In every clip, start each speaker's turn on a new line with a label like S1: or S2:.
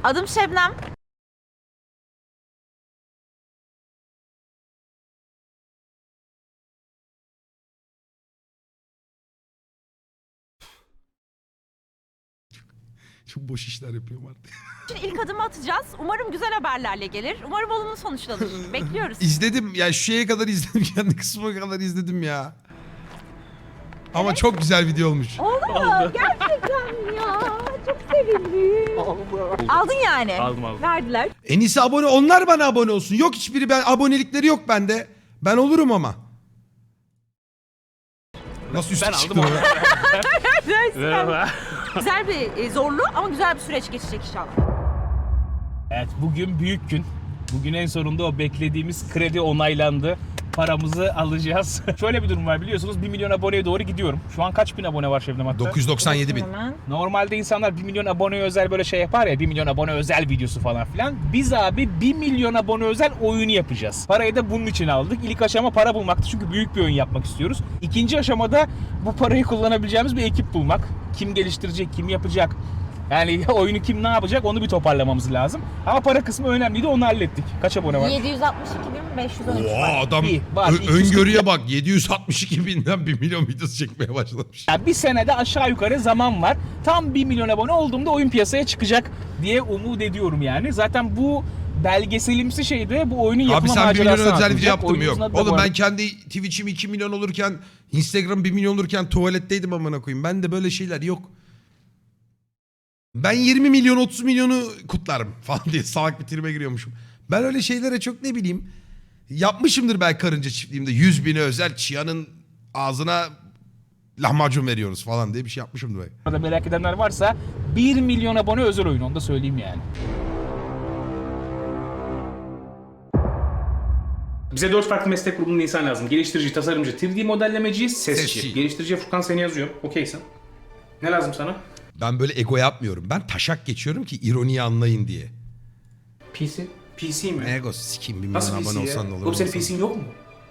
S1: Adım Şebnem.
S2: Çok boş işler yapıyorum artık.
S1: Şimdi ilk adımı atacağız. Umarım güzel haberlerle gelir. Umarım olumlu sonuçlanır. Bekliyoruz.
S2: İzledim ya, şu şeye kadar izledim, kendi kısmına kadar izledim ya. Ama çok güzel video olmuş.
S1: Oldu. Gerçekten ya. Çok sevindim. Aldın yani.
S3: Aldım.
S1: Verdiler.
S2: En iyisi abone, onlar bana abone olsun. Yok hiçbiri, ben abonelikleri yok bende. Ben olurum ama. Nasıl üstü
S3: Ben
S2: çıktı
S3: aldım
S2: o?
S3: Merhaba.
S1: Güzel bir zorlu ama güzel bir süreç geçecek inşallah.
S3: Evet, bugün büyük gün. Bugün en sonunda o beklediğimiz kredi onaylandı. Paramızı alacağız. Şöyle bir durum var, biliyorsunuz 1 milyon aboneye doğru gidiyorum. Şu an kaç bin abone var Şebnem hatta?
S2: 997 bin.
S1: Hemen.
S3: Normalde insanlar 1 milyon aboneye özel böyle şey yapar ya, 1 milyon abone özel videosu falan filan. Biz abi 1 milyon abone özel oyunu yapacağız. Parayı da bunun için aldık. İlk aşama para bulmaktı çünkü büyük bir oyun yapmak istiyoruz. İkinci aşamada bu parayı kullanabileceğimiz bir ekip bulmak. Kim geliştirecek, kim yapacak? Yani oyunu kim ne yapacak onu bir toparlamamız lazım. Ama para kısmı önemliydi, onu hallettik. Kaç abone var?
S1: 762.513
S2: Oha
S1: var.
S2: adam
S3: İyi, var.
S2: öngörüye bak, 762 binden 1 milyon videosu çekmeye başlamış.
S3: Yani bir senede aşağı yukarı zaman var. Tam 1 milyon abone olduğumda oyun piyasaya çıkacak diye umut ediyorum yani. Zaten bu belgeselimsi şeyde bu oyunun
S2: Abi
S3: yapma
S2: sen 1 milyon
S3: macerasını
S2: özel video
S3: anlatacak.
S2: yaptın mı?
S3: Oyunumuzun
S2: Yok.
S3: adı da bu
S2: Oğlum ben
S3: arada-
S2: kendi Twitch'im 2 milyon olurken, Instagram 1 milyon olurken tuvaletteydim amına koyayım. Ben de böyle şeyler yok. Ben 20 milyon 30 milyonu kutlarım falan diye salak bir tribe giriyormuşum. Ben öyle şeylere çok ne bileyim yapmışımdır belki karınca çiftliğimde. 100 bine özel Chia'nın ağzına lahmacun veriyoruz falan diye bir şey yapmışımdır belki.
S3: Burada merak edenler varsa 1 milyon abone özel oyun, onu da söyleyeyim yani. Bize 4 farklı meslek grubunun insan lazım. Geliştirici, tasarımcı, 3D modellemeci, sesçi.
S2: Sesçi.
S3: Geliştirici Furkan seni yazıyor. Okeysin. Ne lazım sana?
S2: Ben böyle ego yapmıyorum. Ben taşak geçiyorum ki ironiyi anlayın diye.
S3: PC. PC mi?
S2: Ego sikeyim, 1 milyon
S3: Nasıl
S2: abone
S3: PC ya?
S2: olsan ne olur.
S3: Oğlum senin
S2: olmasan.
S3: PC'in yok mu?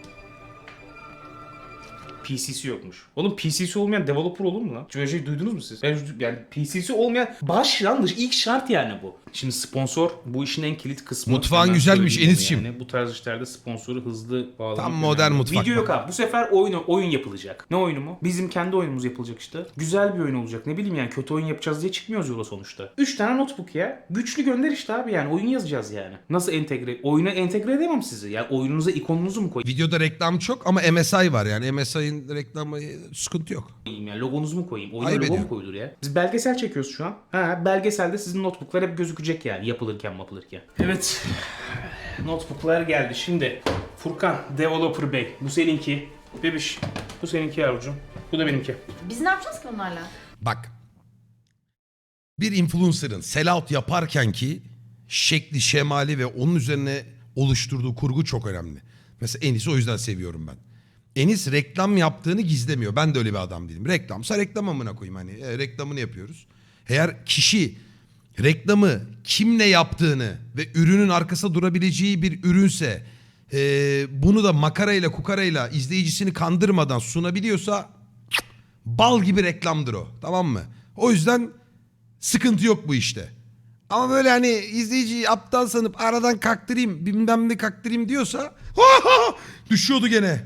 S3: PC'si yokmuş. Oğlum PC'si olmayan developer olur mu lan? Hiç böyle şey duydunuz mu siz? Yani PC'si olmayan başlangıç ilk şart yani bu. Şimdi sponsor bu işin en kilit kısmı.
S2: Mutfağın
S3: Hemen
S2: güzelmiş
S3: söyleyeyim onu
S2: Enis'ciğim.
S3: yani. Bu tarz işlerde sponsoru hızlı bağlamak
S2: Tam
S3: önemli.
S2: modern mutfak.
S3: Video yok abi. Bu sefer oyun yapılacak. Ne oyunu mu? Bizim kendi oyunumuz yapılacak işte. Güzel bir oyun olacak. Ne bileyim yani kötü oyun yapacağız diye çıkmıyoruz yola sonuçta. 3 tane notebook ya. Güçlü gönder işte abi yani. Oyun yazacağız yani. Nasıl entegre? Oyuna entegre edemem sizi. Yani oyununuza ikonunuzu mu koyayım?
S2: Videoda reklam çok ama MSI var yani. MSI'nin reklamı sıkıntı yok.
S3: Yani logonuzu mu koyayım? Oyuna
S2: Ayıp
S3: logo mu
S2: ediyor.
S3: koyulur ya? Biz belgesel çekiyoruz şu an. Ha, belgeselde sizin notebooklar hep gözükecek yani yapılırken. Evet. Notebooklar geldi. Şimdi Furkan, Developer Bey. Bu seninki. Bebiş. Bu seninki yavrucuğum. Bu da benimki.
S1: Biz ne yapacağız ki bunlarla?
S2: Bak. Bir influencer'ın sellout yaparken ki şekli, şemali ve onun üzerine oluşturduğu kurgu çok önemli. Mesela Enis'i o yüzden seviyorum ben. Enis reklam yaptığını gizlemiyor. Ben de öyle bir adam değilim. Reklamsa reklam amına koyayım, hani reklamını yapıyoruz. Eğer kişi reklamı kimle yaptığını ve ürünün arkasında durabileceği bir ürünse bunu da makarayla kukarayla izleyicisini kandırmadan sunabiliyorsa bal gibi reklamdır o, tamam mı? O yüzden sıkıntı yok bu işte. Ama böyle hani izleyiciyi aptal sanıp aradan kaktırayım bilmem ne kaktırayım diyorsa düşüyordu gene.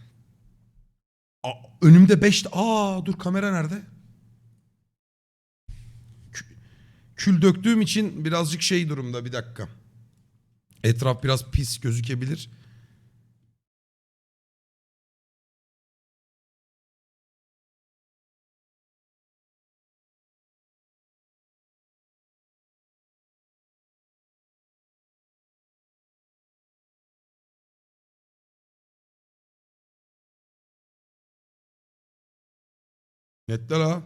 S2: Önümde 5... Dur, kamera nerede? Kül döktüğüm için birazcık şey durumda, bir dakika. Etraf biraz pis gözükebilir. Netle la.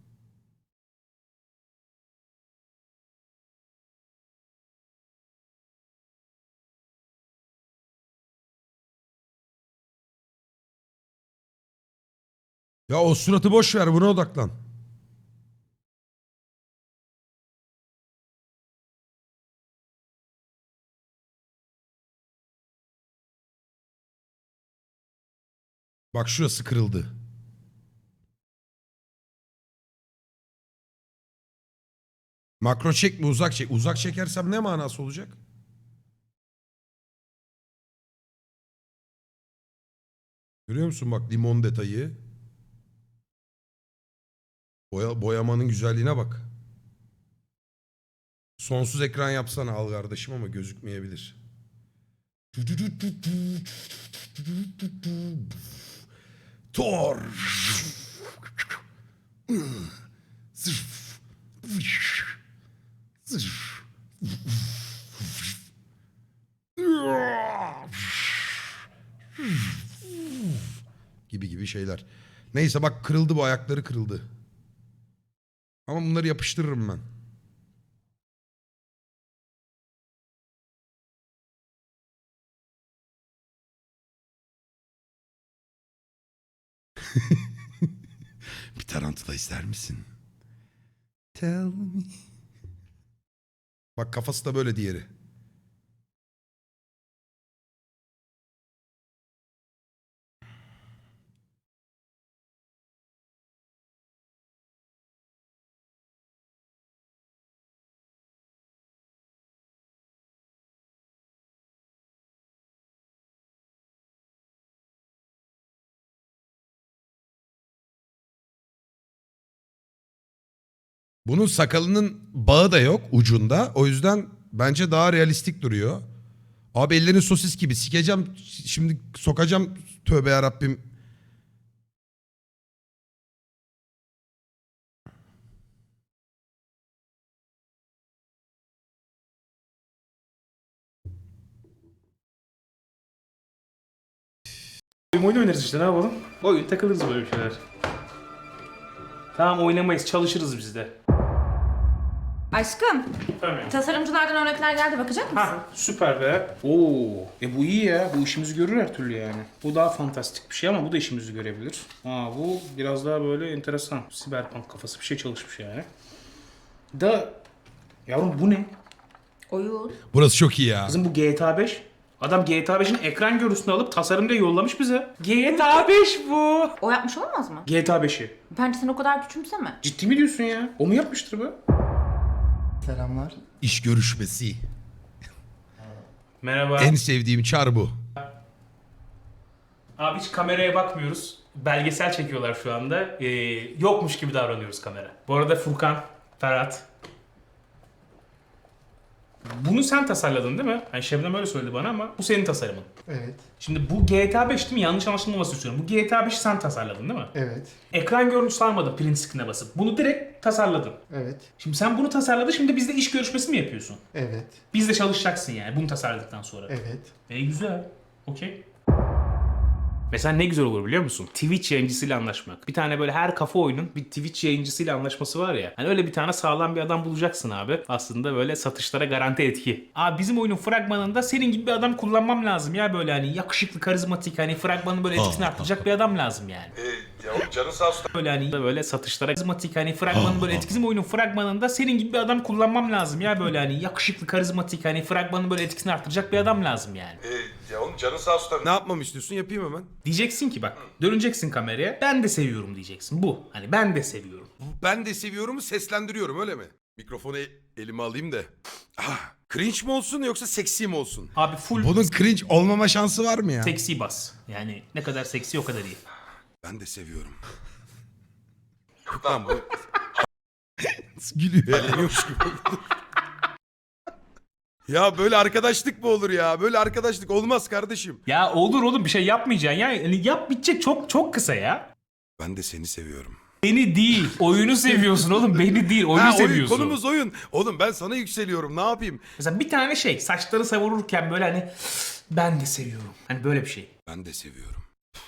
S2: Ya o suratı boş ver, buna odaklan. Bak şurası kırıldı. Makro çek mi uzak çek? Uzak çekersem ne manası olacak? Görüyor musun bak limon detayı. Boyamanın güzelliğine bak. Sonsuz ekran yapsana al kardeşim ama gözükmeyebilir. Thor. Gibi şeyler. Neyse bak kırıldı bu ayakları kırıldı. Ama bunları yapıştırırım ben. Bir tarantula ister misin? Tell me. Bak kafası da böyle diğeri. Bunun sakalının bağı da yok ucunda. O yüzden bence daha realistik duruyor. Abi ellerin sosis gibi. Sikeceğim. Şimdi sokacağım. Tövbe yarabbim.
S3: Oyun oynarız işte ne yapalım? Oyun takılırız böyle bir şeyler. Tamam oynamayız çalışırız biz de.
S1: Aşkım,
S3: Tamam.
S1: tasarımcılardan örnekler geldi. Bakacak mısın?
S3: Ha süper be. Oo, bu iyi ya. Bu işimizi görür her türlü yani. Bu daha fantastik bir şey ama bu da işimizi görebilir. Bu biraz daha böyle enteresan. Siberpunk kafası bir şey çalışmış yani. Yavrum bu ne?
S1: Oyun.
S2: Burası çok iyi ya.
S3: Kızım bu GTA 5. Adam GTA 5'in ekran görüntüsünü alıp tasarımda yollamış bize. GTA 5 bu.
S1: O yapmış olamaz mı?
S3: GTA 5'i.
S1: Bence sen o kadar küçümseme.
S3: Ciddi mi diyorsun ya? O mu yapmıştır bu?
S4: Selamlar.
S2: İş görüşmesi.
S3: Merhaba.
S2: En sevdiğim çar bu.
S3: Abi hiç kameraya bakmıyoruz. Belgesel çekiyorlar şu anda. Yokmuş gibi davranıyoruz kamera. Bu arada Furkan, Ferhat. Bunu sen tasarladın değil mi? Yani Şebnem öyle söyledi bana ama bu senin tasarımın.
S4: Evet.
S3: Şimdi bu GTA 5 değil mi? Yanlış anlaşılmaması istiyorum. Bu GTA 5'i sen tasarladın değil mi?
S4: Evet.
S3: Ekran görüntüsü almadın print screen'e basıp. Bunu direkt tasarladın.
S4: Evet.
S3: Şimdi sen bunu tasarladın, şimdi bizde iş görüşmesi mi yapıyorsun?
S4: Evet.
S3: Bizde çalışacaksın yani bunu tasarladıktan sonra.
S4: Evet.
S3: Güzel. Okey. Mesela ne güzel olur biliyor musun? Twitch yayıncısıyla anlaşmak. Bir tane böyle her kafa oyunun bir Twitch yayıncısıyla anlaşması var ya. Hani öyle bir tane sağlam bir adam bulacaksın abi. Aslında böyle satışlara garanti etki. Abi bizim oyunun fragmanında senin gibi bir adam kullanmam lazım ya böyle hani yakışıklı, karizmatik hani fragmanın böyle etkisini arttıracak bir adam lazım yani.
S2: Ya canın sağ olsun.
S3: Böyle hani böyle satışlara karizmatik hani fragmanın böyle etkisi bizim oyunun fragmanında senin gibi bir adam kullanmam lazım ya böyle hani yakışıklı, karizmatik hani fragmanın böyle etkisini arttıracak bir adam lazım yani.
S2: Ya oğlum canın sağ olsun. Ne yapmamı istiyorsun yapayım hemen.
S3: Diyeceksin ki bak döneceksin kameraya ben de seviyorum diyeceksin bu. Hani ben de seviyorum.
S2: Ben de seviyorumu seslendiriyorum öyle mi? Mikrofonu elime alayım da. Cringe mi olsun yoksa seksi mi olsun?
S3: Abi full
S2: Bunun cringe olmama şansı var mı ya?
S3: seksi bas. Yani ne kadar seksi o kadar iyi.
S2: Ben de seviyorum. Lan bu... Gülüyor ya. Ya böyle arkadaşlık mı olur ya? Böyle arkadaşlık olmaz kardeşim.
S3: Ya olur oğlum bir şey yapmayacaksın ya. Yani yap bitecek çok kısa ya.
S2: Ben de seni seviyorum.
S3: Beni değil. Oyunu seviyorsun oğlum. Beni değil. Oyunu
S2: Oyun,
S3: seviyorsun.
S2: konumuz oyun. Oğlum ben sana yükseliyorum. Ne yapayım?
S3: Mesela bir tane şey saçları savururken böyle hani ben de seviyorum. Hani böyle bir şey.
S2: Ben de seviyorum.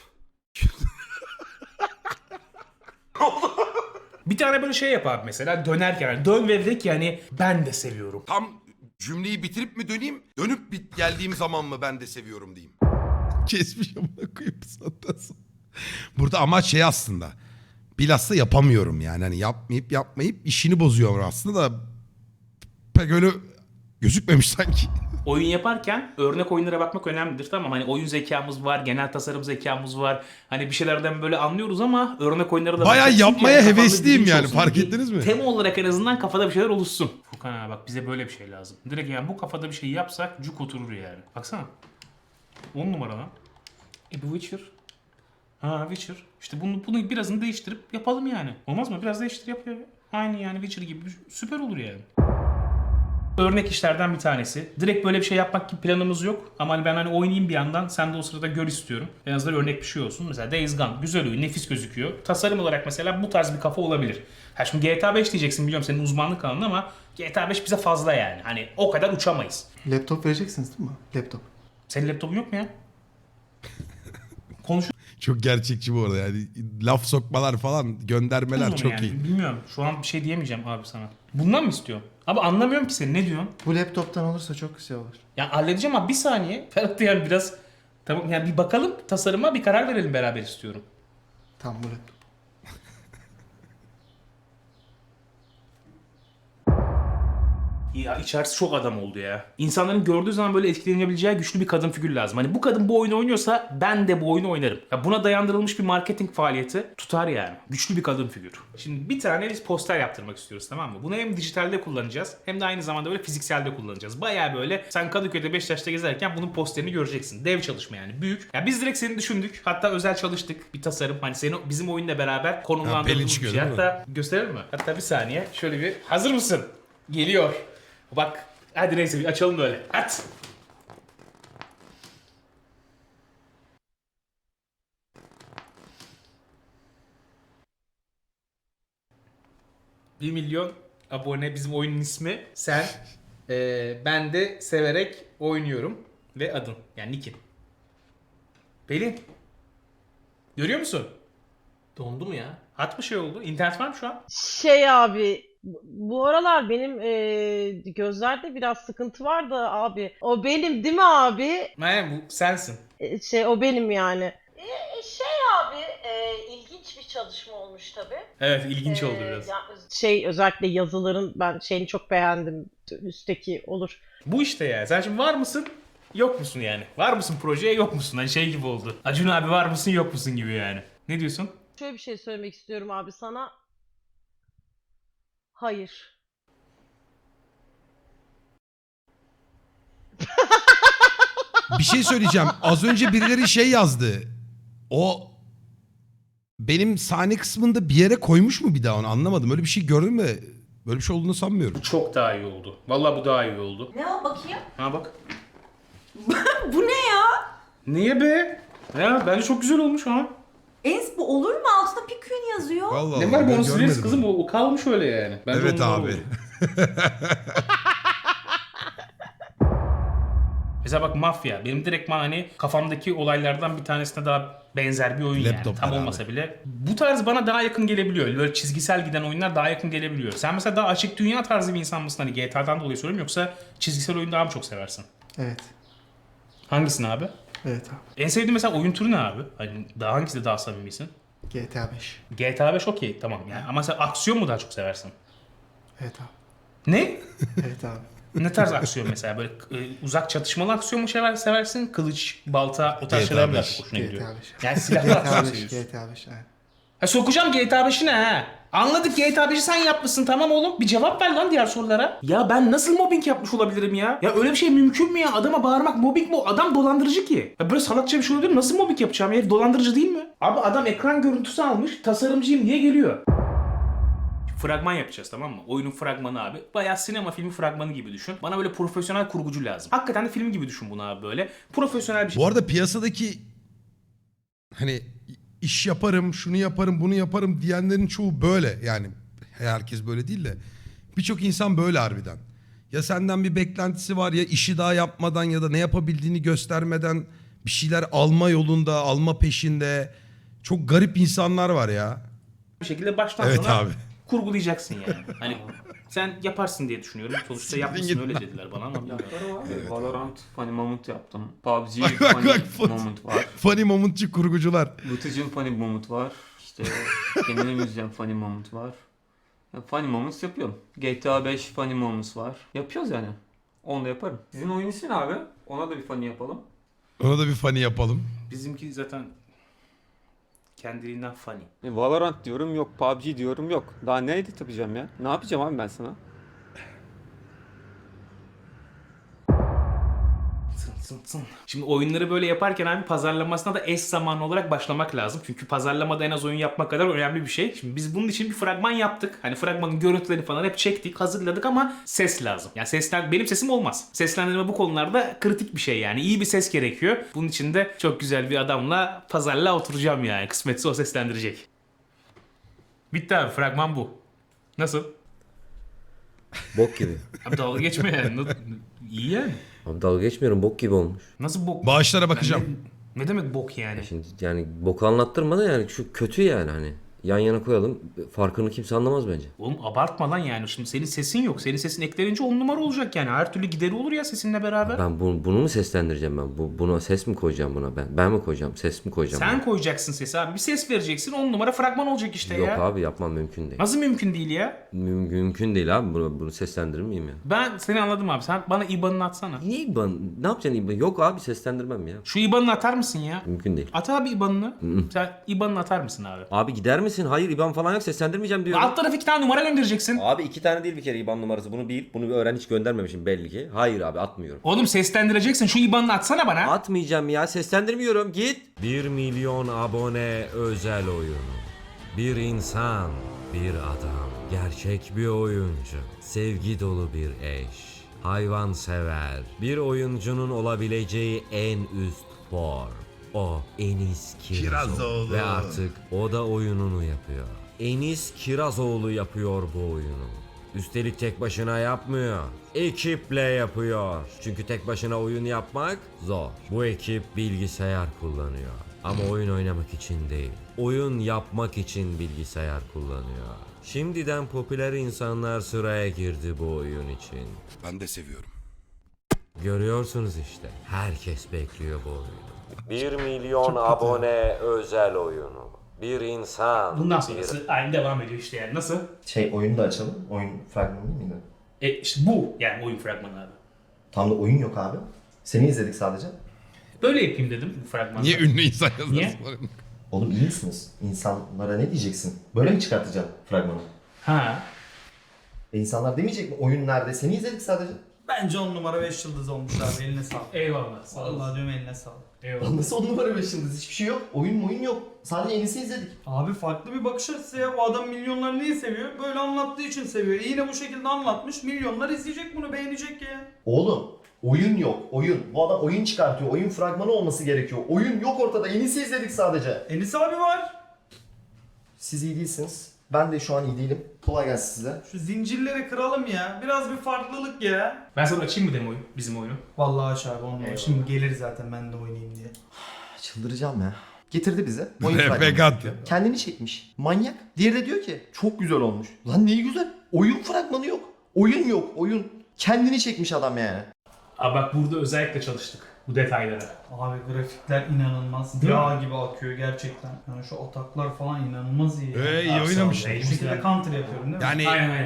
S3: Bir tane böyle şey yap abi mesela dönerken. Yani dön ve de ki yani ben de seviyorum.
S2: Tam cümleyi bitirip mi döneyim? Dönüp geldiğim zaman mı ben de seviyorum diyeyim. Kesmiş amına koyayım zaten. Burada amaç şey aslında. Bilhassa yapamıyorum yani. Hani yapmayıp işini bozuyor aslında da pek öyle gözükmemiş sanki.
S3: oyun yaparken örnek oyunlara bakmak önemlidir, tamam. Hani oyun zekamız var, genel tasarım zekamız var. Hani bir şeylerden böyle anlıyoruz ama örnek oyunlara da
S2: Bayağı
S3: bakacaksın ki
S2: yapmaya
S3: kafanda
S2: hevesliyim
S3: bilinç
S2: yani,
S3: olsun.
S2: fark
S3: Bir
S2: ettiniz mi?
S3: Tema olarak en azından kafada bir şeyler oluşsun. Furkan abi bak, bize böyle bir şey lazım. Direkt yani bu kafada bir şey yapsak cuk oturur yani. Baksana. 10 numara lan. Bu Witcher. Ha, Witcher. İşte bunu birazını değiştirip yapalım yani. Olmaz mı? Biraz değiştir yap ya. Aynı yani Witcher gibi süper olur yani. Örnek işlerden bir tanesi. Direkt böyle bir şey yapmak gibi planımız yok. Ama hani ben hani oynayayım bir yandan, sen de o sırada gör istiyorum. En azından örnek bir şey olsun. Mesela Days Gone güzel oyun, nefis gözüküyor. Tasarım olarak mesela bu tarz bir kafa olabilir. Ha şimdi GTA 5 diyeceksin, biliyorum senin uzmanlık alanın, ama GTA 5 bize fazla yani. Hani o kadar uçamayız.
S4: Laptop vereceksiniz değil mi? Laptop.
S3: Senin laptopun yok mu ya? Konuş.
S2: Çok gerçekçi bu arada yani. Laf sokmalar falan, göndermeler çok
S3: yani.
S2: iyi.
S3: Bilmiyorum. Şu an bir şey diyemeyeceğim abi sana. Bundan mı istiyorsun? Abi anlamıyorum ki seni. Ne diyorsun?
S4: Bu laptoptan olursa çok güzel olur.
S3: Ya halledeceğim abi, bir saniye. Ferhat da yani biraz... Tamam yani bir bakalım tasarıma, bir karar verelim beraber istiyorum.
S4: Tamam, bu laptop.
S3: Ya içerisi çok adam oldu ya. İnsanların gördüğü zaman böyle etkilenebileceği güçlü bir kadın figür lazım. Hani bu kadın bu oyunu oynuyorsa ben de bu oyunu oynarım. Ya buna dayandırılmış bir marketing faaliyeti tutar yani. Güçlü bir kadın figür. Şimdi bir tane biz poster yaptırmak istiyoruz, tamam mı? Bunu hem dijitalde kullanacağız hem de aynı zamanda böyle fizikselde kullanacağız. Bayağı böyle sen Kadıköy'de Beşiktaş'ta gezerken bunun posterini göreceksin. Dev çalışma yani, büyük. Ya biz direkt seni düşündük. Hatta özel çalıştık bir tasarım. Hani seni bizim oyunla beraber konumlandırdığımız bir
S2: çıkıyor
S3: şey.
S2: değil mi?
S3: Hatta gösterelim mi? Hatta bir saniye şöyle bir, hazır mısın? Geliyor. Bak hadi neyse bir açalım böyle. At. Bir milyon abone bizim oyunun ismi. Sen, ben de severek oynuyorum ve adın yani nickin. Pelin. Görüyor musun?
S5: Dondu mu ya?
S3: At bir şey oldu. İnternet var mı şu an?
S6: Şey abi, bu aralar benim gözlerde biraz sıkıntı var da abi. O benim değil mi abi?
S3: Aynen, bu sensin.
S6: O benim yani. Şey abi, ilginç bir çalışma olmuş tabii.
S3: Evet, ilginç oldu biraz.
S6: Özellikle yazıların ben şeyini çok beğendim. Üstteki olur.
S3: Bu işte ya. Sen şimdi var mısın? Yok musun yani? Var mısın projeye, yok musun? Hani şey gibi oldu. Acun abi var mısın, yok musun gibi yani. Ne diyorsun?
S6: Şöyle bir şey söylemek istiyorum abi sana. Hayır.
S2: Bir şey söyleyeceğim. Az önce birileri şey yazdı. O benim sahne kısmında bir yere koymuş mu bir daha, onu anlamadım. Öyle bir şey gördün mü? Böyle bir şey olduğunu sanmıyorum.
S3: Çok daha iyi oldu. Vallahi bu daha iyi oldu.
S1: Ne o bakayım?
S3: Ha bak.
S1: Bu ne ya?
S3: Niye be? Ya bence çok güzel olmuş ha.
S1: Ens bu olur mu? Altında Pikün yazıyor.
S2: Vallahi
S3: Ne var bu,
S2: ben
S3: onu sileriz
S2: görmedim.
S3: kızım, o kalmış öyle yani. Bence
S2: Evet
S3: ondan
S2: abi.
S3: oldu. Mesela bak Mafya. Benim direktman hani kafamdaki olaylardan bir tanesine daha benzer bir oyun
S2: Laptop
S3: yani. Tam
S2: beraber.
S3: olmasa bile. Bu tarz bana daha yakın gelebiliyor. Böyle çizgisel giden oyunlar daha yakın gelebiliyor. Sen mesela daha açık dünya tarzı bir insan mısın? Hani GTA'dan dolayı soruyorum, yoksa çizgisel oyun daha mı çok seversin?
S4: Evet.
S3: Hangisini abi?
S4: Evet abi.
S3: En sevdiğin mesela oyun türü ne abi? Hani daha hangisinde daha samimisin?
S4: GTA 5.
S3: GTA 5 okey, tamam yani. Ama sen aksiyon mu daha çok seversin?
S4: Evet abi.
S3: Ne?
S4: Evet abi.
S3: Ne tarz aksiyon mesela? Böyle uzak çatışmalı aksiyon mu seversin? Kılıç, balta, o tarz
S2: GTA
S3: şeyler mi daha
S2: 5.
S3: çok hoşuna gidiyor?
S4: GTA 5.
S3: Yani silahlı aksiyon
S4: GTA 5.
S3: seviyorsun.
S4: GTA 5. Evet.
S3: Ha, sokacağım GTA 5'ine ha. Anladık, GTA 5'i sen yapmışsın, tamam oğlum. Bir cevap ver lan diğer sorulara. Ya ben nasıl mobbing yapmış olabilirim ya? Ya öyle bir şey mümkün mü ya? Adama bağırmak mobbing mi? Adam dolandırıcı ki. Ya böyle salakça bir şey olabilir mi? Nasıl mobbing yapacağım ya? Herif dolandırıcı değil mi? Abi adam ekran görüntüsü almış, tasarımcıyım diye geliyor. Fragman yapacağız, tamam mı? Oyunun fragmanı abi. Bayağı sinema filmi fragmanı gibi düşün. Bana böyle profesyonel kurgucu lazım. Hakikaten de film gibi düşün bunu abi böyle. Profesyonel bir şey.
S2: Bu arada piyasadaki hani iş yaparım, şunu yaparım, bunu yaparım diyenlerin çoğu böyle. Yani herkes böyle değil de birçok insan böyle harbiden. Ya senden bir beklentisi var, ya işi daha yapmadan ya da ne yapabildiğini göstermeden bir şeyler alma yolunda, alma peşinde. Çok garip insanlar var ya.
S3: Bir şekilde baştan
S2: Evet
S3: sona
S2: abi.
S3: kurgulayacaksın yani. Hani sen yaparsın diye düşünüyorum. Sonuçta yapmışsın, öyle dediler bana ama bilmiyorum.
S5: Valorant funny moment yaptım. PUBG
S2: Bak, bak,
S5: funny
S2: bak.
S5: moment var.
S2: Funny momentçi kurgucular.
S5: Vıtıcın funny moment var. İşte kendine müzisyen funny moment var. Ya, funny moments yapıyorum. GTA 5 funny moments var. Yapıyoruz yani. Onu da yaparım. Sizin oyun ismi ne abi? Ona da bir funny yapalım.
S2: Ona da bir funny yapalım.
S3: Bizimki zaten kendiliğinden funny.
S7: Valorant diyorum yok, PUBG diyorum yok. Daha ne edit yapacağım ya? Ne yapacağım abi ben sana?
S3: Şimdi oyunları böyle yaparken abi pazarlamasına da eş zamanlı olarak başlamak lazım. Çünkü pazarlamada en az oyun yapmak kadar önemli bir şey. Şimdi biz bunun için bir fragman yaptık. Hani fragmanın görüntülerini falan hep çektik, hazırladık ama ses lazım. Yani benim sesim olmaz. Seslendirme bu konularda kritik bir şey yani. İyi bir ses gerekiyor. Bunun için de çok güzel bir adamla pazarlığa oturacağım yani. Kısmetse o seslendirecek. Bitti abi, fragman bu. Nasıl?
S8: Bok gibi.
S3: Abi dalga geçme yani. İyi yani.
S8: Abi dalga geçmiyorum, bok gibi olmuş.
S3: Nasıl bok?
S2: Bağışlara bakacağım.
S3: Ne demek bok yani?
S8: Şimdi yani boku anlattırma da yani şu kötü yani hani. Yan yana koyalım, farkını kimse anlamaz bence.
S3: Oğlum abartma lan yani. Şimdi senin sesin yok. Senin sesin eklenince 10 numara olacak yani. Her türlü gideri olur ya sesinle beraber.
S8: Ben bunu mu seslendireceğim ben? Buna ses mi koyacağım buna ben? Ben mi koyacağım? Ses mi koyacağım?
S3: Sen koyacaksın sesi abi. Bir ses vereceksin. 10 numara fragman olacak işte
S8: Yok
S3: ya.
S8: abi, yapmam mümkün değil.
S3: Nasıl mümkün değil ya?
S8: Mümkün değil abi. Bunu seslendirir miyim ya?
S3: Ben seni anladım abi. Sen bana IBAN'ını atsana.
S8: Niye İBAN? Ne yapacaksın İBAN? Yok abi, seslendirmem ya.
S3: Şu IBAN'ını atar mısın ya?
S8: Mümkün değil.
S3: At abi IBAN'ını. Sen IBAN'ını atar mısın abi?
S8: Abi gider misin? Hayır, İBAN falan yok, seslendirmeyeceğim diyorum.
S3: Alt tarafı 2 tane numara göndereceksin.
S8: Abi 2 tane değil bir kere İBAN numarası. Bunu bir öğren, hiç göndermemişim belli ki. Hayır abi, atmıyorum.
S3: Oğlum seslendireceksin. Şu IBAN'ını atsana bana.
S8: Atmayacağım ya, seslendirmiyorum, git. 1 milyon abone özel oyunu. Bir insan, bir adam, gerçek bir oyuncu, sevgi dolu bir eş, hayvansever, bir oyuncunun olabileceği en üst form. O Enis Kirazoğlu.
S2: Kirazoğlu.
S8: Ve artık o da oyununu yapıyor. Enis Kirazoğlu yapıyor bu oyunu. Üstelik tek başına yapmıyor. Ekiple yapıyor. Çünkü tek başına oyun yapmak zor. Bu ekip bilgisayar kullanıyor. Ama oyun oynamak için değil. Oyun yapmak için bilgisayar kullanıyor. Şimdiden popüler insanlar sıraya girdi bu oyun için.
S2: Ben de seviyorum.
S8: Görüyorsunuz işte. Herkes bekliyor bu oyunu. 1 milyon abone özel oyunu. Bir insan.
S3: Bundan sonrası aynı devam ediyor işte yani. Nasıl?
S9: Oyunu da açalım. Oyun fragmanı değil miydi?
S3: İşte bu yani oyun fragmanı abi.
S9: Tam da oyun yok abi. Seni izledik sadece.
S3: Böyle yapayım dedim bu fragmanda.
S2: Niye ünlü insan
S3: Niye?
S2: yazıyorsun?
S9: Oğlum iyi misiniz? İnsanlara ne diyeceksin? Böyle mi çıkartacaksın fragmanı?
S3: Ha.
S9: İnsanlar demeyecek mi? Oyun nerede? Seni izledik sadece.
S10: Bence 10 numara 5 yıldız olmuş abi, eline sağlık.
S3: Eyvallah. Sağ olasın.
S10: Vallahi diyorum, eline sağlık.
S3: Eyvallah.
S9: Lan nasıl 10 numara 5 yıldız? Hiçbir şey yok. Oyun yok. Sadece yenisi izledik.
S10: Abi farklı bir bakış açısı ya. Bu adam milyonlar niye seviyor? Böyle anlattığı için seviyor. Yine bu şekilde anlatmış. Milyonlar izleyecek bunu, beğenecek ya.
S9: Oğlum oyun yok. Oyun. Bu adam oyun çıkartıyor. Oyun fragmanı olması gerekiyor. Oyun yok ortada. Yenisi izledik sadece.
S10: Enis abi var.
S9: Siz iyi değilsiniz. Ben de şu an iyi değilim. Kolay gelsin size.
S10: Şu zincirleri kıralım ya. Biraz bir farklılık ya.
S3: Ben sana açayım mı demoyu? Bizim oyunu.
S10: Vallahi aç abi 10 numara.
S3: Eyvallah.
S10: Şimdi gelir zaten, ben de oynayayım diye.
S9: Çıldıracağım ya. Getirdi bize. Oyun
S2: RP
S9: fragmanı
S2: kat.
S9: çekiyor. Kendini çekmiş. Manyak. Diğeri de diyor ki çok güzel olmuş. Lan neyi güzel? Oyun fragmanı yok. Oyun yok. Oyun. Kendini çekmiş adam yani.
S3: Abi bak burada özellikle çalıştık bu detaylara.
S10: Abi grafikler inanılmaz.
S3: Değil
S10: Yağ gibi akıyor gerçekten. Yani şu ataklar falan inanılmaz iyi.
S2: İyi oynamış.
S10: Bu şekilde counter yapıyorum değil mi?
S2: Yani
S3: Aynen.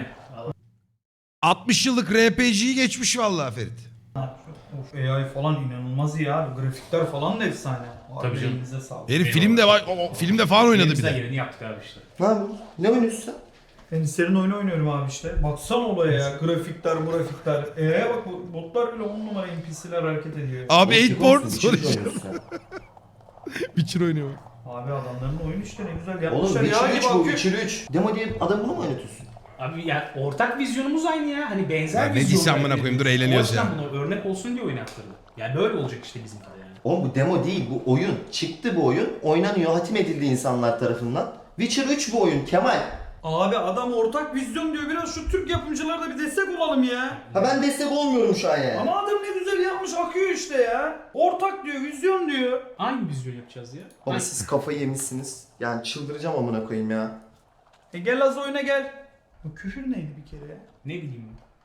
S2: 60 yıllık RPG'yi geçmiş vallahi Ferit.
S10: Of, AI falan inanılmaz iyi abi. Grafikler falan da efsane. Abi
S3: Tabii canım.
S10: elinize sağlık.
S2: Herif filmde var, filmde falan oynadı bir
S3: Elimizden
S2: de.
S3: geleni yaptık abi işte.
S9: Ne yapıyorsun? Ne oynuyorsun sen?
S10: Enislerin oyunu oynuyorum abi işte. Baksana olaya ya. Grafikler. Bak botlar bile 10 numara NPC'ler hareket ediyor.
S2: Abi
S9: Oğlum,
S2: 8 board
S9: Witcher
S2: soru işte.
S9: oynuyorsun sen.
S2: Witcher oynuyor.
S10: Abi adamların oyunu işte ne güzel
S9: Oğlum
S10: yapmışlar.
S9: Witcher
S10: Yağ
S9: 3
S10: gibi
S9: bu,
S10: akıyor.
S9: Witcher 3. Demo diye adam bunu mu oynatıyorsun?
S3: Abi ya ortak vizyonumuz aynı ya. Hani benzer
S2: Ya ne
S3: vizyonlar.
S2: diyeceğim amına koyayım, dur eğleniyoruz
S3: O yüzden
S2: ya.
S3: buna örnek olsun diye oynattırdım. Yani böyle olacak işte bizimkiler yani.
S9: Oğlum bu demo değil, bu oyun. Çıktı bu oyun, oynanıyor, hatim edildi insanlar tarafından. Witcher 3 bu oyun, Kemal.
S10: Abi adam ortak vizyon diyor. Biraz şu Türk yapımcılara da bir destek olalım ya.
S9: Ha ben destek olmuyorum şu an yani.
S10: Ama adam ne güzel yapmış, akıyor işte ya. Ortak diyor, vizyon diyor.
S3: Hangi vizyon yapacağız ya?
S9: Baba siz kafayı yemişsiniz. Yani çıldıracağım amına koyayım ya.
S10: Gel az oyuna gel. Bu küfür neydi bir kere ya?
S3: Ne bileyim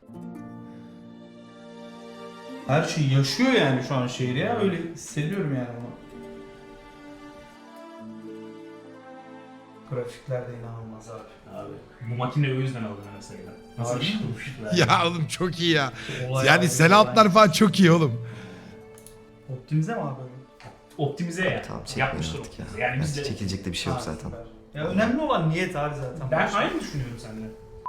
S10: Her şey yaşıyor yani şu an şehir ya. Öyle hissediyorum yani bunu. Grafikler de inanılmaz abi.
S3: Abi bu makine o yüzden aldım mesela. Nasıl bir şey olmuşlar?
S2: Ya oğlum çok iyi ya.
S10: Olay
S2: Yani
S10: abi,
S2: Selahatlar falan çok iyi oğlum.
S10: Optimize mi abi?
S3: Optimize ya.
S9: Tamam çekmeyin
S3: Yapmışlar
S9: artık ya.
S3: optimize. Yani biz de...
S9: Çekilecek de bir şey yok
S10: Ha,
S9: zaten.
S10: süper. Ya önemli olan niyet abi zaten.
S3: Ben
S10: Başka-
S3: aynı düşünüyorum seninle.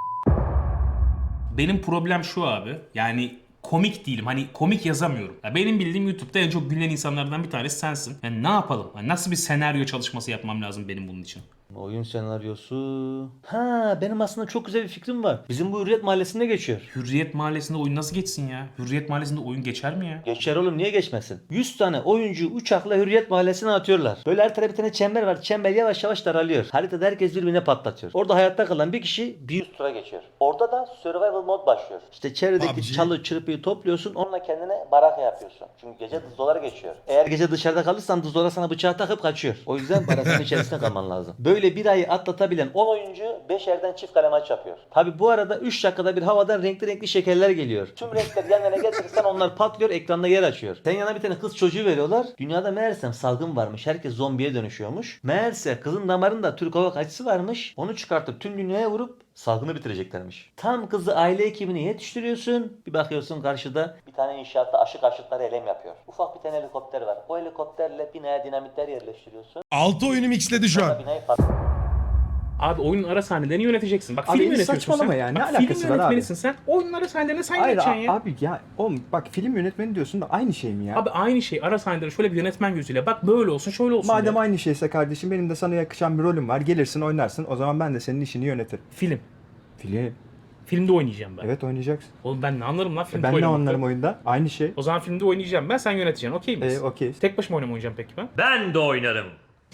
S3: Benim problem şu abi. Yani komik değilim. Hani komik yazamıyorum. Ya benim bildiğim YouTube'da en çok gülen insanlardan bir tanesi sensin. Yani ne yapalım? Yani nasıl bir senaryo çalışması yapmam lazım benim bunun için?
S11: Oyun senaryosu... Ha, benim aslında çok güzel bir fikrim var. Bizim bu Hürriyet Mahallesi'nde geçiyor.
S3: Hürriyet Mahallesi'nde oyun nasıl geçsin ya? Hürriyet Mahallesi'nde oyun geçer mi ya?
S11: Geçer oğlum, niye geçmesin? 100 tane oyuncu uçakla Hürriyet Mahallesi'ne atıyorlar. Böyle her tarafta bir tane çember var. Çember yavaş yavaş daralıyor. Haritada herkes birbirine patlatıyor. Orada hayatta kalan bir kişi bir üst tura geçiyor. Orada da survival mod başlıyor. İşte çevredeki
S2: PUBG.
S11: çalı çırpıyı topluyorsun. Onunla kendine baraka yapıyorsun. Çünkü gece dızdolar geçiyor. Eğer gece dışarıda kalırsan dızdolar sana bıçağı takıp kaçıyor. O yüzden barakanın içerisinde kalman lazım. Böyle bir ayı atlatabilen 10 oyuncu 5 yerden çift kale maç yapıyor. Tabi bu arada 3 dakikada bir havadan renkli renkli şekerler geliyor. Tüm renkler yan yana getirirsen onlar patlıyor, ekranda yer açıyor. Sen yana bir tane kız çocuğu veriyorlar. Dünyada meğersem salgın varmış. Herkes zombiye dönüşüyormuş. Meğerse kızın damarında Türk hava kaçısı varmış. Onu çıkartıp tüm dünyaya vurup salgını bitireceklermiş. Tam kızı aile ekibine yetiştiriyorsun. Bir bakıyorsun karşıda bir tane inşaatta aşı karşıtları eylem yapıyor. Ufak bir tane helikopter var. O helikopterle binaya dinamitler yerleştiriyorsun.
S2: 6 oyunu mixledi şu an.
S11: Binayı
S3: Abi oyunun ara sahnelerini yöneteceksin. Bak
S12: Abi
S3: film yönetiyorsun
S12: saçmalama
S3: sen.
S12: ya, ne
S3: Bak,
S12: alakası
S3: film
S12: var abi?
S3: yönetmenisin sen. Oyunun ara sahnelerini sen
S12: Hayır
S3: yöneteceksin ya.
S12: abi ya oğlum bak, film yönetmeni diyorsun da aynı şey mi ya?
S3: Abi aynı şey. Ara sahneleri şöyle bir yönetmen gözüyle. Bak böyle olsun, şöyle olsun.
S12: Madem
S3: ya.
S12: aynı şeyse kardeşim, benim de sana yakışan bir rolüm var. Gelirsin oynarsın, o zaman ben de senin işini yönetirim.
S3: Film.
S12: Film.
S3: Filmde oynayacağım ben.
S12: Evet, oynayacaksın.
S3: Oğlum ben ne anlarım lan filmde
S12: Ben ne
S3: oynamakta?
S12: anlarım oyunda? Aynı şey.
S3: O zaman filmde oynayacağım ben, sen yöneteceksin. Okey miyiz?
S12: Okey.
S3: Tek başıma oynamayacağım peki ben.
S11: Ben de oynarım.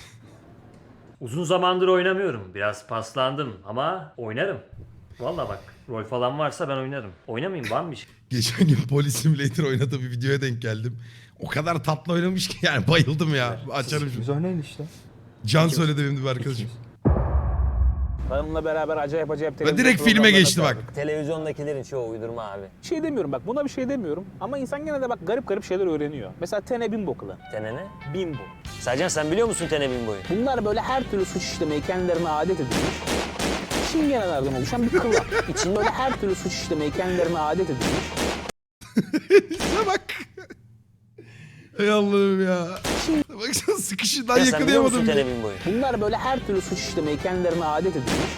S11: Uzun zamandır oynamıyorum. Biraz paslandım ama oynarım. Vallahi bak, rol falan varsa ben oynarım. Oynamayayım, var mı bir şey?
S2: Geçen gün Police Simulator oynadığı bir videoya denk geldim. O kadar tatlı oynamış ki yani bayıldım ya. Açarım şimdi.
S12: Biz oynayın işte.
S2: Can söyledi benim de bir arkadaşım.
S11: Hanımla beraber acayip
S2: Ve direkt filme geçti bak.
S11: Televizyondakilerin çoğu uydurma abi.
S3: Şey demiyorum bak, buna bir şey demiyorum. Ama insan gene de bak garip garip şeyler öğreniyor. Mesela Tene Bimbo kılı.
S11: Tene ne?
S3: Bimbo.
S11: Sercan, sen biliyor musun Tene Bimbo'yu?
S3: Bunlar böyle her türlü suç işlemeyi kendilerine adet edilmiş. Çingenelerden oluşan bir kılan. İçinde böyle her türlü suç işlemeyi kendilerine adet edilmiş.
S2: Şuna bak. Ey Allah'ım ya. Baksana sıkışından
S11: Ya sen biliyor musun
S2: yakalayamadım.
S11: Tene Bimbo'yu?
S3: Bunlar böyle her türlü suç işlemeyi kendilerine adet edilmiş.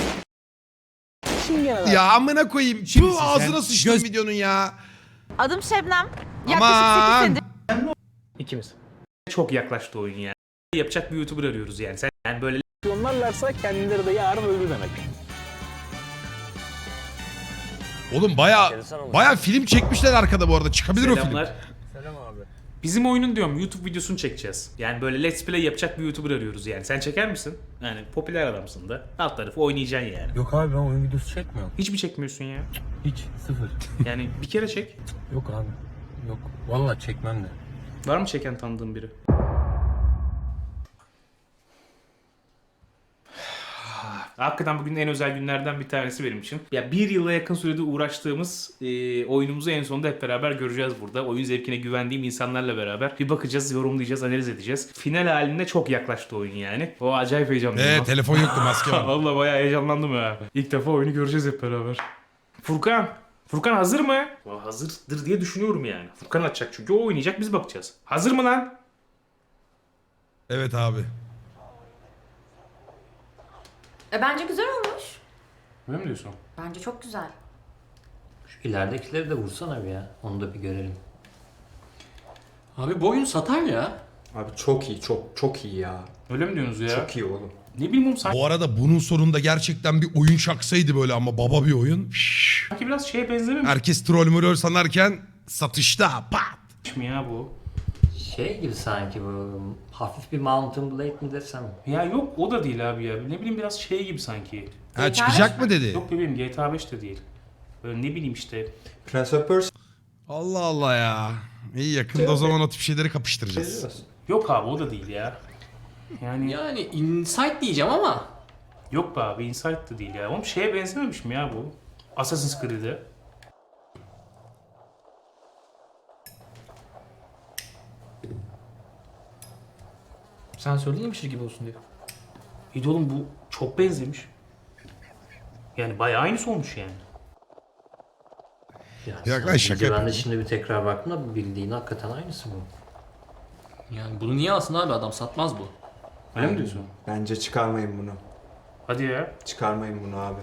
S3: Çingeneler.
S2: Ya amına koyayım. Bu ağzına sıçtım videonun ya.
S1: Adım Şebnem.
S2: Aman.
S1: Yaklaşık 8 senedir
S3: İkimiz. Çok yaklaştı oyun yani. Yapacak bir YouTuber arıyoruz yani. Sen yani böyle onlarlarsa kendileri de yarın öldü demek.
S2: Oğlum baya film çekmişler arkada bu arada. Çıkabilir o film.
S3: Selamlar.
S11: Selam abi.
S3: Bizim oyunun diyorum YouTube videosunu çekeceğiz. Yani böyle Let's Play yapacak bir YouTuber arıyoruz yani. Sen çeker misin? Yani popüler adamsın da. Alt tarafı oynayacaksın yani.
S11: Yok abi, ben oyun videosu çekmiyorum.
S3: Hiç mi çekmiyorsun ya?
S11: Hiç, sıfır.
S3: Yani bir kere çek.
S11: Yok abi. Yok. Vallahi çekmem de.
S3: Var mı çeken tanıdığın biri? Hakikaten bugün en özel günlerden bir tanesi benim için. Ya bir yıla yakın sürede uğraştığımız oyunumuzu en sonunda hep beraber göreceğiz burada. Oyun zevkine güvendiğim insanlarla beraber bir bakacağız, yorumlayacağız, analiz edeceğiz. Final haline çok yaklaştı oyun yani. O acayip heyecanlıyım.
S2: Telefon yoktu, maske var.
S3: Vallahi bayağı heyecanlandım ya. İlk defa oyunu göreceğiz hep beraber. Furkan. Furkan hazır mı? Hazırdır diye düşünüyorum yani. Furkan açacak çünkü o oynayacak, biz bakacağız. Hazır mı lan?
S2: Evet abi.
S1: Bence güzel olmuş.
S3: Öyle mi diyorsun?
S1: Bence çok güzel.
S11: Şu ileridekileri de vursana bir ya. Onu da bir görelim. Abi bu oyun satar ya.
S7: Abi çok iyi, çok iyi ya.
S3: Öyle mi diyorsunuz ya?
S7: Çok iyi oğlum.
S3: Ne bileyim oğlum, sanki
S2: Bu arada bunun sonunda gerçekten bir oyun şaksaydı böyle ama baba bir oyun. Şşş.
S3: biraz şeye benzememiş
S2: Herkes troll sanarken satışta pat.
S3: mi ya bu?
S11: Şey gibi sanki bu, hafif bir Mountain Blade mi desem?
S3: Ya yok, o da değil abi ya. Ne bileyim biraz şey gibi sanki.
S2: Ha çıkacak mı dedi?
S3: Yok bebeğim, GTA 5 de değil. Böyle ne bileyim işte.
S12: Prince of Persia.
S2: Allah Allah ya. İyi yakında o zaman o tip şeyleri kapıştıracağız.
S3: Yok abi, o da değil ya. Yani
S11: Yani Insight diyeceğim ama.
S3: yok be abi, Insight da değil ya. Oğlum şeye benzememiş mi ya bu? Assassin's Creed'e.
S11: Sen söyleyemişir gibi olsun diye.
S3: İyi de oğlum bu çok benzemiş. Yani bayağı aynısı olmuş yani.
S2: Ya lan şaka.
S11: Ben de şimdi bir tekrar baktım da bildiğin hakikaten aynısı bu.
S5: Yani bunu niye alsın abi, adam satmaz bu.
S3: Öyle mi diyorsun?
S12: Bence çıkarmayın bunu.
S3: Hadi ya.
S12: Çıkarmayın bunu abi.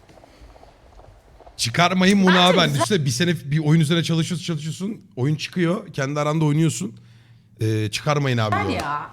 S2: Çıkarmayın bunu abi. Ben üstüne bir sene bir oyun üzerine çalışıyorsun. Oyun çıkıyor. Kendi aranda oynuyorsun. Çıkarmayın abi.
S1: Gel
S2: bunu.
S1: ya.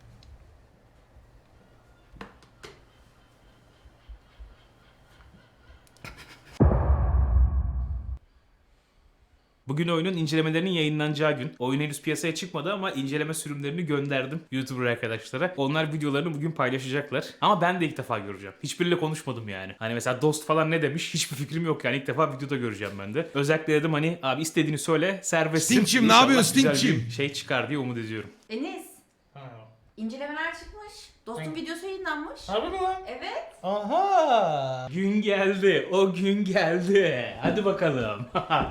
S3: Bugün oyunun incelemelerinin yayınlanacağı gün. Oyun henüz piyasaya çıkmadı ama inceleme sürümlerini gönderdim YouTuber arkadaşlara. Onlar videolarını bugün paylaşacaklar. Ama ben de ilk defa göreceğim. Hiçbiriyle konuşmadım yani. Hani mesela Dost falan ne demiş hiçbir fikrim yok yani. İlk defa videoda göreceğim ben de. Özellikle dedim hani abi istediğini söyle serbestsin.
S2: Stingçim, ne
S3: İnşallah
S2: yapıyorsun
S3: güzel
S2: Stingçim?
S3: bir şey çıkar diye umut ediyorum.
S1: Enes. İncelemeler çıkmış. Dostum videosu yayınlanmış.
S3: Harbi mi lan?
S1: Evet.
S3: Aha! Gün geldi. O gün geldi. Hadi bakalım.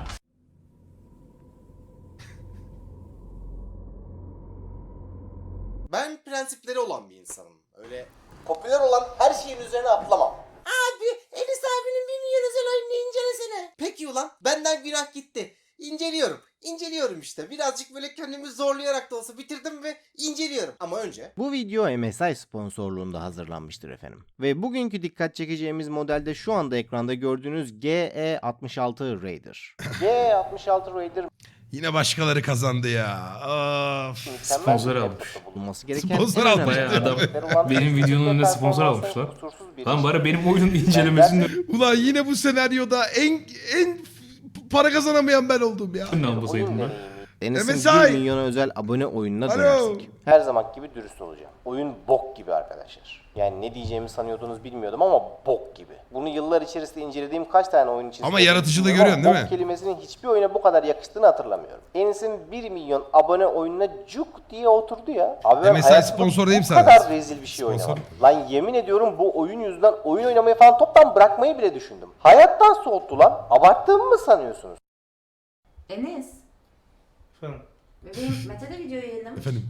S9: Ben prensipleri olan bir insanım. Öyle popüler olan her şeyin üzerine atlamam. Abi Enis abinin 1 milyon özel oyununu incelesene. Peki ulan benden günah gitti. İnceliyorum. İnceliyorum işte. Birazcık böyle kendimi zorlayarak da olsa bitirdim ve inceliyorum. Ama önce... Bu video MSI sponsorluğunda hazırlanmıştır efendim. Ve bugünkü dikkat çekeceğimiz modelde şu anda ekranda gördüğünüz GE66 Raider. GE66 Raider
S2: Yine başkaları kazandı ya. Of.
S3: Sponsor almış.
S9: bulunması gereken
S2: Sponsor
S9: en
S2: almış.
S9: önemli
S3: Bayağı adam
S9: özellikleri olan
S3: benim videonun önüne sponsor almış lan. Lan bari benim oyunun incelemesinde
S2: Ulan yine bu senaryoda en para kazanamayan ben oldum ya.
S3: ne almasaydım ben.
S9: Enes'in
S2: MSI.
S9: 1 milyona özel abone oyununa
S2: Alo.
S9: dönersek. Her zaman gibi dürüst olacağım. Oyun bok gibi arkadaşlar. Yani ne diyeceğimi sanıyordunuz bilmiyordum ama bok gibi. Bunu yıllar içerisinde incelediğim kaç tane oyun için
S2: Ama
S9: söyledim
S2: yaratıcılığı
S9: bilmiyorum
S2: görüyorsun
S9: ama
S2: değil mi?
S9: bok kelimesinin hiçbir oyuna bu kadar yakıştığını hatırlamıyorum. Enes'in 1 milyon abone oyununa cuk diye oturdu ya. Abi ben
S2: MSI
S9: hayatımda
S2: sponsor değil mi
S9: bu
S2: sana?
S9: kadar rezil bir şey
S2: Sponsor.
S9: oynamadım. Lan yemin ediyorum bu oyun yüzünden oyun oynamayı falan toptan bırakmayı bile düşündüm. Hayattan soğuttu lan. Abarttığımı mı sanıyorsunuz?
S1: Enes. Bebeğim Mete de video yayınlamış.
S2: Efendim.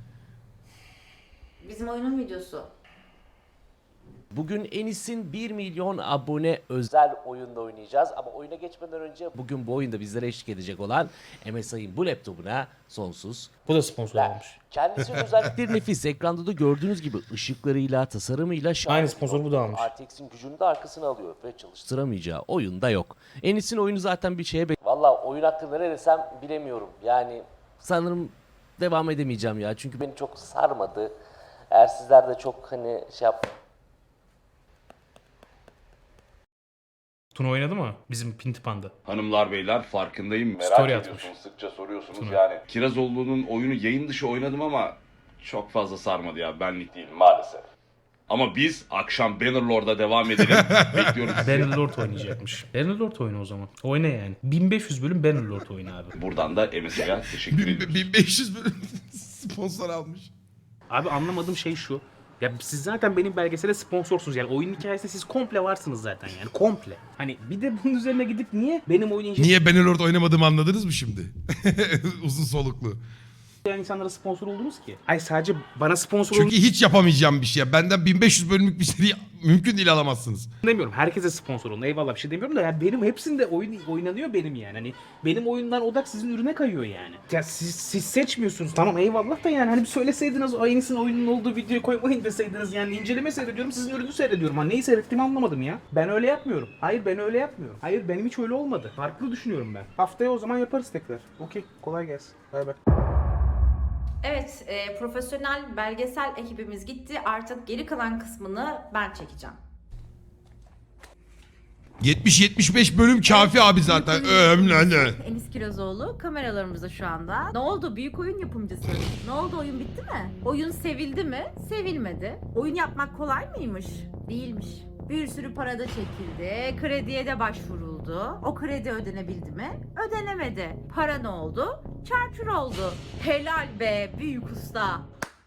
S1: Bizim oyunun videosu.
S11: Bugün Enis'in 1 milyon abone özel oyunda oynayacağız ama oyuna geçmeden önce bugün bu oyunda bizlere eşlik edecek olan MSI'ın bu laptopuna sonsuz.
S3: Bu da sponsor olmuş.
S11: Kendisi özellikleri nefis. Ekranda da gördüğünüz gibi ışıklarıyla, tasarımıyla
S3: Aynı sponsor bu da almış.
S11: RTX'in gücünü de arkasına alıyor ve çalıştıramayacağı oyunda yok. Enis'in oyunu zaten bir şeye Valla oyun hakkında ne desem bilemiyorum. Yani sanırım devam edemeyeceğim ya. Çünkü beni çok sarmadı. Eğer sizler de çok hani şey yap...
S3: Tuna oynadı mı? Bizim Pinti Panda.
S13: Hanımlar beyler farkındayım. Merak
S3: Story
S13: ediyorsunuz,
S3: atmış.
S13: sıkça soruyorsunuz
S3: Tuna.
S13: yani. Kirazoğlu'nun oyunu yayın dışı oynadım ama çok fazla sarmadı ya. Benlik değil maalesef. Ama biz akşam Bannerlord'a devam edelim. Bekliyoruz sizi.
S3: Bannerlord oynayacakmış. Bannerlord oyunu o zaman. Oyna yani. 1500 bölüm Bannerlord oyunu abi.
S13: Buradan da MSI'ye teşekkür ediyoruz.
S2: 1500 bölüm sponsor almış.
S3: Abi anlamadığım şey şu. Ya siz zaten benim belgesele sponsorsunuz yani oyunun hikayesinde siz komple varsınız zaten yani komple. Hani bir de bunun üzerine gidip niye benim oyun
S2: Niye Bannerlord oynamadığımı anladınız mı şimdi? Uzun soluklu.
S3: inceleyen insanlara sponsor oldunuz ki? Ay sadece bana sponsor
S2: Çünkü hiç yapamayacağım bir şey. Benden 1500 bölümlük bir seri mümkün değil alamazsınız.
S3: demiyorum. Herkese sponsor olun. Eyvallah bir şey demiyorum da yani benim hepsinde oyun oynanıyor benim yani. Hani benim oyundan odak sizin ürüne kayıyor yani. Ya siz seçmiyorsunuz. Tamam eyvallah da yani hani bir söyleseydiniz o Enis'in oyunun olduğu videoyu koymayın deseydiniz yani inceleme seyrediyorum sizin ürünü seyrediyorum. Hani neyi seyrettiğimi anlamadım ya. Ben öyle yapmıyorum. Hayır ben öyle yapmıyorum. Hayır benim hiç öyle olmadı. Farklı düşünüyorum ben. Haftaya o zaman yaparız tekrar. Okey kolay gelsin. Bay bay.
S1: Evet, profesyonel belgesel ekibimiz gitti. Artık geri kalan kısmını ben çekeceğim.
S2: 70-75 bölüm kafi abi zaten. Ömrüne.
S1: Enis Kirazoğlu kameralarımızda şu anda. Ne oldu? Büyük oyun yapımcısı. Ne oldu? Oyun bitti mi? Oyun sevildi mi? Sevilmedi. Oyun yapmak kolay mıymış? Değilmiş. Bir sürü para da çekildi. Krediye de başvuruldu. O kredi ödenebildi mi? Ödenemedi. Para ne oldu? Çarçur oldu. Helal be büyük usta.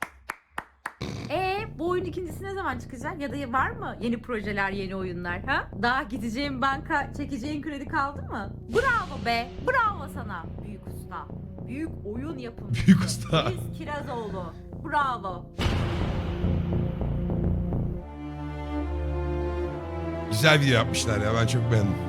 S1: Bu oyun ikincisi ne zaman çıkacak? Ya da var mı yeni projeler, yeni oyunlar ha? Daha gideceğin banka, çekeceğin kredi kaldı mı? Bravo be. Bravo sana büyük usta. Büyük oyun yapımcısı.
S2: Büyük usta.
S1: Enis Kirazoğlu. Bravo.
S2: Güzel video yapmışlar ya, ben çok beğendim.